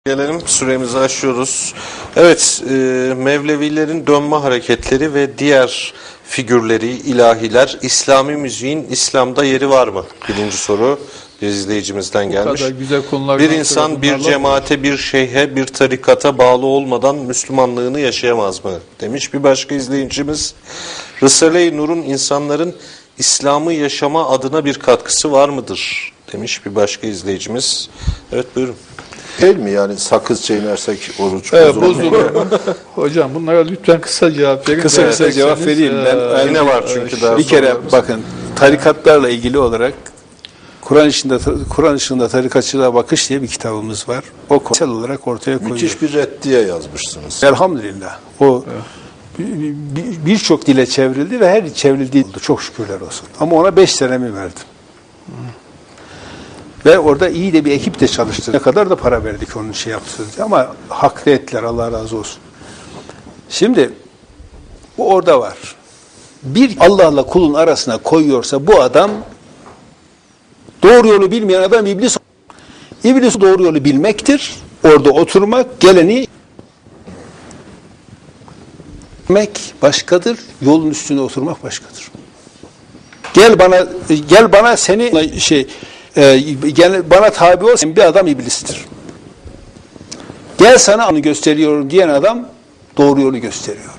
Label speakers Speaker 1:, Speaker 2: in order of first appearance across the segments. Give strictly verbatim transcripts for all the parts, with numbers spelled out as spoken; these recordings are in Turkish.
Speaker 1: Gelelim, süremizi aşıyoruz. Evet, e, Mevlevilerin dönme hareketleri ve diğer figürleri, ilahiler, İslami müziğin İslam'da yeri var mı? Birinci soru bir izleyicimizden gelmiş.
Speaker 2: Güzel
Speaker 1: bir insan bir cemaate, bir şeyhe, bir tarikata bağlı olmadan Müslümanlığını yaşayamaz mı? Demiş bir başka izleyicimiz. Risale-i Nur'un insanların İslam'ı yaşama adına bir katkısı var mıdır? Demiş bir başka izleyicimiz. Evet, buyurun.
Speaker 3: Değil mi yani sakız çiğnersek oruç
Speaker 2: evet,
Speaker 3: bozulur mu?
Speaker 2: Hocam bunlara lütfen kısa cevap verin.
Speaker 4: Kısa kısa
Speaker 2: evet,
Speaker 4: cevap vereyim. Ben
Speaker 1: yine var çünkü daha
Speaker 4: bir kere
Speaker 1: sorularımız.
Speaker 4: bakın tarikatlarla ilgili olarak Kur'an ışığında Kur'an ışığında tarikatçılığa bakış diye bir kitabımız var. O konsel olarak ortaya koyuyor.
Speaker 3: Müthiş bir reddiye yazmışsınız.
Speaker 4: Elhamdülillah. O birçok dile çevrildi ve her çevrildiği oldu. Çok şükürler olsun. Ama ona beş senemi verdim. Ve orada iyi de bir ekip de çalıştı. Ne kadar da para verdik onun şey yaptı. Ama hak ettiler, Allah razı olsun. Şimdi bu orada var. Bir Allah'la kulun arasına koyuyorsa bu adam doğru yolu bilmeyen adam iblis. İblis doğru yolu bilmektir. Orada oturmak, geleni bilmek başkadır. Yolun üstünde oturmak başkadır. Gel bana gel bana seni şey Ee, gel bana tabi ol, bir adam iblistir. Gel sana onu gösteriyorum diyen adam doğru yolu gösteriyordur.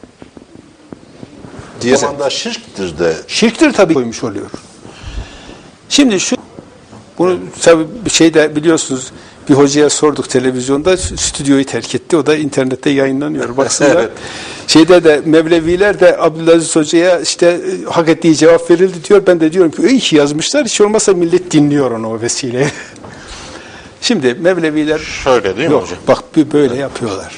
Speaker 3: Diye zamanda şirktir de.
Speaker 4: Şirktir tabii koymuş oluyor. Şimdi şu bunu tabii bir şey de biliyorsunuz, bir hocaya sorduk televizyonda, stüdyoyu terk etti. O da internette yayınlanıyor. Baksınlar. Evet. Şeyde de Mevleviler de Abdülaziz Hoca'ya işte hak ettiği cevap verildi diyor. Ben de diyorum ki iyi ki yazmışlar. Hiç olmazsa millet dinliyor onu o vesileyle. Şimdi Mevleviler
Speaker 1: şöyle değil mi
Speaker 4: yok,
Speaker 1: hocam?
Speaker 4: Bak bir böyle yapıyorlar.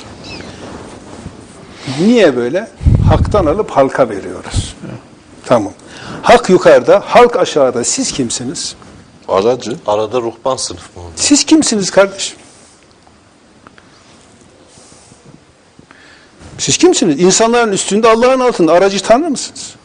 Speaker 4: Niye böyle? Hak'tan alıp halka veriyoruz. Evet. Tamam. Hak yukarıda, halk aşağıda. Siz kimsiniz?
Speaker 3: Aracı.
Speaker 1: Arada ruhban sınıf mı?
Speaker 4: Siz kimsiniz kardeşim? Siz kimsiniz? İnsanların üstünde, Allah'ın altında. Aracı Tanrı mısınız?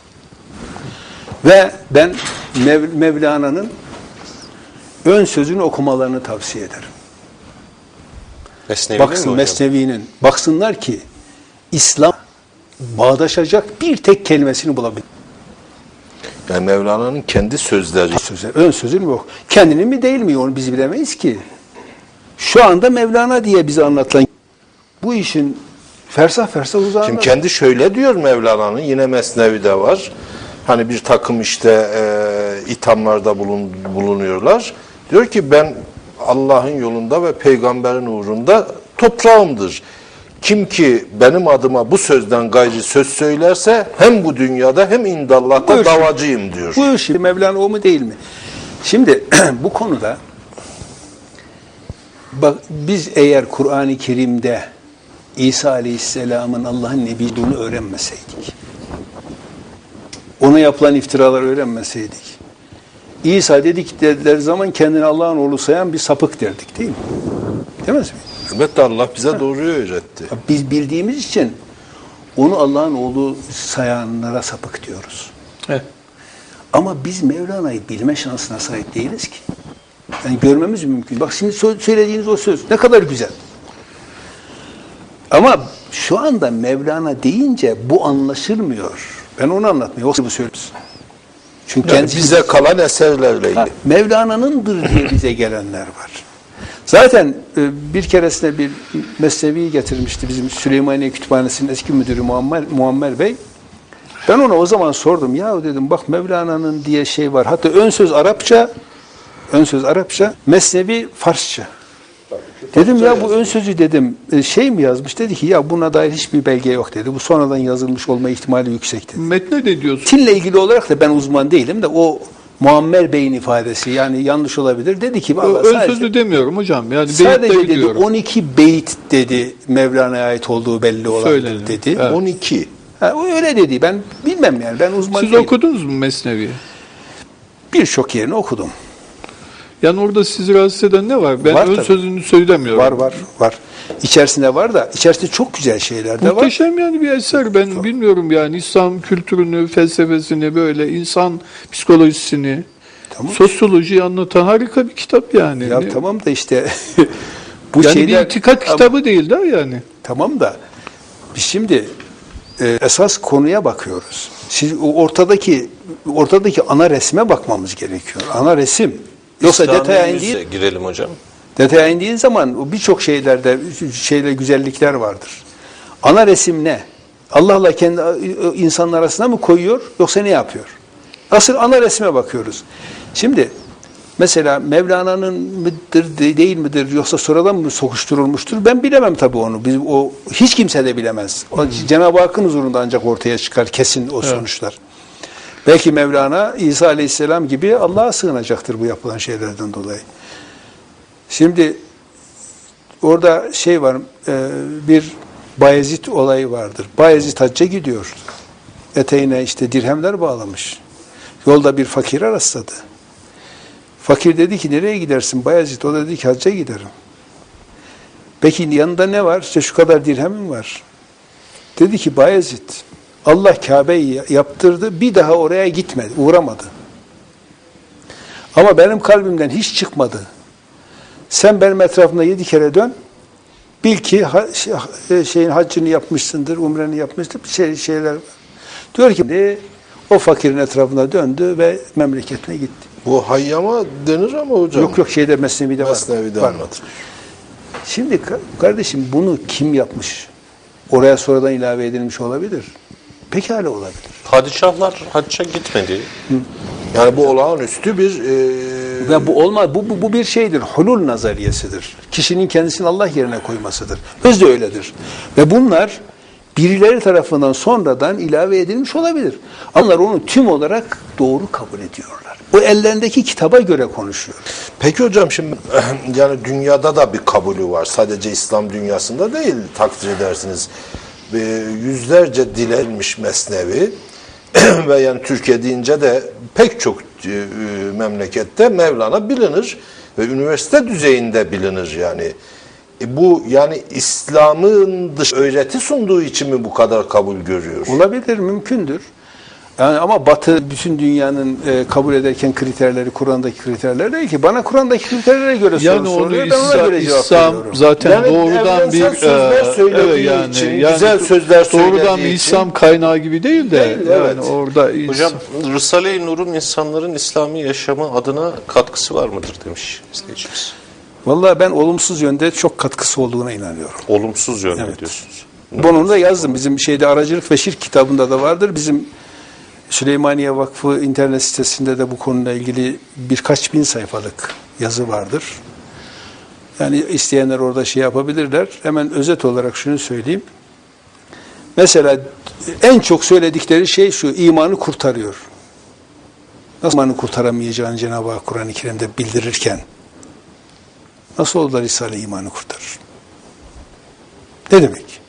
Speaker 4: Ve ben Mev Mevlana'nın ön sözünü okumalarını tavsiye ederim.
Speaker 1: Mesnevi
Speaker 4: Baksın Mesnevi'nin. Baksınlar ki İslam bağdaşacak bir tek kelimesini bulabilir.
Speaker 3: Yani Mevlana'nın kendi sözleri.
Speaker 4: Sözler, ön sözünü bu. Kendini mi değil mi onu biz bilemeyiz ki. Şu anda Mevlana diye bize anlatılan bu işin fersah fersah uzağında.
Speaker 3: Şimdi kendi şöyle diyor Mevlana'nın, yine Mesnevi'de var. Hani bir takım işte e, ithamlarda bulun, bulunuyorlar. Diyor ki ben Allah'ın yolunda ve peygamberin uğrunda toprağımdır. Kim ki benim adıma bu sözden gayri söz söylerse hem bu dünyada hem indallah'ta
Speaker 4: Buyur
Speaker 3: davacıyım diyor.
Speaker 4: Buyur şimdi Mevlana o mu değil mi? Şimdi bu konuda bak biz eğer Kur'an-ı Kerim'de İsa Aleyhisselam'ın Allah'ın nebiyliğini öğrenmeseydik, ona yapılan iftiraları öğrenmeseydik, İsa dedik dediler zaman kendini Allah'ın oğlu sayan bir sapık derdik değil mi? Demez mi?
Speaker 3: Elbette Allah bize doğruyu öğretti.
Speaker 4: Biz bildiğimiz için onu Allah'ın oğlu sayanlara sapık diyoruz.
Speaker 2: Evet.
Speaker 4: Ama biz Mevlana'yı bilme şansına sahip değiliz ki. Yani görmemiz mümkün. Bak şimdi söylediğiniz o söz ne kadar güzel. Ama şu anda Mevlana deyince bu anlaşılmıyor. Ben onu anlatmıyorum. O bu söylüyorsun. Çünkü
Speaker 3: Yani
Speaker 4: kendisi,
Speaker 3: bize kalan eserlerle ilgili.
Speaker 4: Mevlana'nındır diye bize gelenler var. Zaten bir keresinde bir Mesnevi'yi getirmişti bizim Süleymaniye Kütüphanesi'nin eski müdürü Muammer, Muammer Bey. Ben ona o zaman sordum. Ya dedim bak Mevlana'nın diye şey var. Hatta ön söz Arapça, ön söz Arapça, Mesnevi Farsça. Dedim ya bu ön sözü dedim şey mi yazmış? Dedi ki ya buna dair hiçbir belge yok dedi. Bu sonradan yazılmış olma ihtimali yüksek dedi.
Speaker 2: Metne ne diyorsun?
Speaker 4: Metinle ilgili olarak da ben uzman değilim de o Muammer Bey'in ifadesi yani yanlış olabilir. Dedi ki
Speaker 2: Ön sadece, sözü demiyorum hocam. Yani
Speaker 4: sadece dedi diyorum. on iki beyit dedi Mevlana'ya ait olduğu belli olan dedi.
Speaker 2: Evet.
Speaker 3: on iki.
Speaker 4: Ha, o öyle dedi. Ben bilmem yani. Ben uzman
Speaker 2: Siz
Speaker 4: değilim.
Speaker 2: okudunuz mu Mesnevi'yi?
Speaker 4: Birçok yerini okudum.
Speaker 2: Yani orada sizi rahatsız eden ne var? Ben
Speaker 4: var
Speaker 2: ön
Speaker 4: tabii.
Speaker 2: sözünü söylemiyorum.
Speaker 4: Var var var. İçerisinde var da içerisinde çok güzel şeyler de var.
Speaker 2: Muhteşem yani bir eser. Ben çok. bilmiyorum yani İslam kültürünü, felsefesini böyle insan psikolojisini, tamam. sosyolojiyi anlatan harika bir kitap yani.
Speaker 4: Ya
Speaker 2: ne?
Speaker 4: tamam da işte Bu
Speaker 2: Yani
Speaker 4: şeyler,
Speaker 2: bir itikat kitabı değil de yani.
Speaker 4: tamam da biz şimdi e, esas konuya bakıyoruz. Siz o ortadaki ortadaki ana resme bakmamız gerekiyor. Ana resim. Yoksa
Speaker 1: İslami
Speaker 4: detaya
Speaker 1: yüze
Speaker 4: indiğin,
Speaker 1: girelim hocam.
Speaker 4: detaya indiğin zaman o birçok şeylerde şeyle güzellikler vardır. Ana resim ne? Allah'la kendi insanlar arasına mı koyuyor yoksa ne yapıyor? Asıl ana resme bakıyoruz. Şimdi mesela Mevlana'nın mıdır değil midir yoksa sonradan mı sokuşturulmuştur? Ben bilemem tabii onu. Biz o hiç kimse de bilemez. O, Cenab-ı Hakk'ın huzurunda ancak ortaya çıkar kesin o sonuçlar. Belki Mevlana İsa Aleyhisselam gibi Allah'a sığınacaktır bu yapılan şeylerden dolayı. Şimdi orada şey var, e, bir Bayezid olayı vardır. Bayezid hacca gidiyor. Eteğine işte dirhemler bağlamış. Yolda bir fakire rastladı. Fakir dedi ki nereye gidersin Bayezid? O da dedi ki hacca giderim. Peki yanında ne var? İşte şu kadar dirhemim var. Dedi ki Bayezid, Allah Kabe'yi yaptırdı, bir daha oraya gitmedi, uğramadı. Ama benim kalbimden hiç çıkmadı. Sen benim etrafımda yedi kere dön, bil ki şeyin haccını yapmışsındır, umreni yapmıştır, şey, şeyler. Diyor ki o fakirin etrafına döndü ve memleketine gitti.
Speaker 3: Bu hayyama denir ama hocam.
Speaker 4: Yok yok şeyde Mesnevi'de var.
Speaker 3: Mesnevi'de
Speaker 4: var.
Speaker 3: anlatır.
Speaker 4: Şimdi kardeşim bunu kim yapmış? Oraya sonradan ilave edilmiş olabilir. Pekala olabilir.
Speaker 1: Padişahlar hacca gitmedi.
Speaker 3: Yani bu olağanüstü bir e,
Speaker 4: Ve bu olmaz. Bu, bu, bu bir şeydir. Hulul nazariyesidir. Kişinin kendisini Allah yerine koymasıdır. Öz de öyledir. Ve bunlar birileri tarafından sonradan ilave edilmiş olabilir. Onlar onu tüm olarak doğru kabul ediyorlar. O ellerindeki kitaba göre konuşuyor.
Speaker 3: Peki hocam şimdi yani dünyada da bir kabulü var. Sadece İslam dünyasında değil takdir edersiniz. E, yüzlerce dilenmiş Mesnevi ve yani Türkiye deyince de pek çok e, memlekette Mevlana bilinir ve üniversite düzeyinde bilinir yani. E, bu yani İslam'ın dış öğreti sunduğu için mi bu kadar kabul görüyor?
Speaker 4: Olabilir, mümkündür. Yani ama Batı bütün dünyanın e, kabul ederken kriterleri, Kur'an'daki kriterler değil ki. Bana Kur'an'daki kriterlere göre
Speaker 2: Yani
Speaker 4: soru
Speaker 2: onu
Speaker 4: soruyor, ben ona
Speaker 2: İslam,
Speaker 4: göre cevap
Speaker 2: İslam
Speaker 4: veriyorum.
Speaker 2: zaten
Speaker 3: Yani
Speaker 2: doğrudan bir
Speaker 3: evrensel sözler
Speaker 2: e,
Speaker 3: söylediği
Speaker 2: evet yani,
Speaker 3: için,
Speaker 2: yani
Speaker 3: güzel sözler söylediği
Speaker 2: doğrudan bir
Speaker 3: için.
Speaker 2: İslam kaynağı gibi değil de
Speaker 3: Değil,
Speaker 2: yani
Speaker 3: evet.
Speaker 2: orada
Speaker 1: Hocam Risale-i Nur'un insanların İslami yaşamı adına katkısı var mıdır demiş izleyicimiz.
Speaker 4: Vallahi ben olumsuz yönde çok katkısı olduğuna inanıyorum.
Speaker 1: Olumsuz yönde
Speaker 4: Evet.
Speaker 1: diyorsunuz.
Speaker 4: Bunu da yazdım. Bizim şeyde Aracılık ve Şirk kitabında da vardır. Bizim Süleymaniye Vakfı internet sitesinde de bu konuyla ilgili birkaç bin sayfalık yazı vardır. Yani isteyenler orada şey yapabilirler. Hemen özet olarak şunu söyleyeyim. Mesela en çok söyledikleri şey şu, imanı kurtarıyor. Nasıl imanı kurtaramayacağını Cenab-ı Hak Kur'an-ı Kerim'de bildirirken nasıl olur da Risale imanı kurtarır? Ne demek?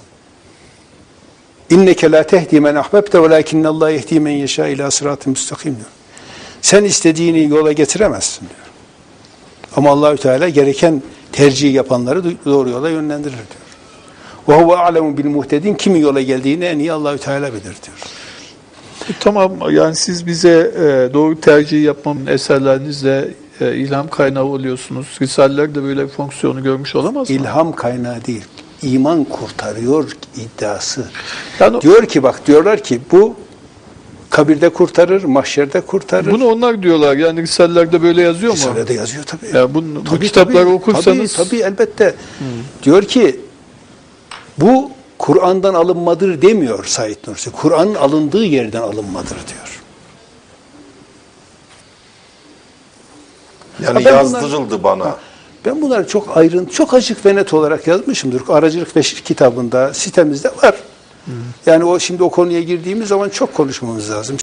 Speaker 4: İnneke la tehdi men ahbebte velakinnallah yehdi men yeşâ ilâ sıratı müstakim diyor. Sen istediğini yola getiremezsin diyor. Ama Allahü Teala gereken tercih yapanları doğru yola yönlendirir diyor. Ve huve a'lemu bil muhtedin, kimin yola geldiğini en iyi Allahü Teala bilir diyor.
Speaker 2: E, tamam yani siz bize e, doğru tercih yapmamın eserlerinizle e, ilham kaynağı oluyorsunuz. Risaleler de böyle bir fonksiyonu görmüş olamaz mı?
Speaker 4: İlham kaynağı değil. İman kurtarıyor iddiası.
Speaker 2: Yani
Speaker 4: Diyor ki bak diyorlar ki bu kabirde kurtarır, mahşerde kurtarır.
Speaker 2: bunu onlar diyorlar. Yani Risalelerde böyle yazıyor mu?
Speaker 4: Risale'de yazıyor tabii.
Speaker 2: Yani bunu, bu
Speaker 4: Tabii,
Speaker 2: kitapları
Speaker 4: tabii,
Speaker 2: okursanız
Speaker 4: tabii, tabii elbette. Diyor ki bu Kur'an'dan alınmadır demiyor Said Nursi. Kur'an'ın alındığı yerden alınmadır diyor.
Speaker 3: Yani
Speaker 4: Ha, ben
Speaker 3: yazdırıldı bana.
Speaker 4: Ben bunları çok ayrıntı, çok açık ve net olarak yazmışımdır. Aracılık ve Şirk kitabında, sitemizde var. Yani o şimdi o konuya girdiğimiz zaman çok konuşmamız lazım.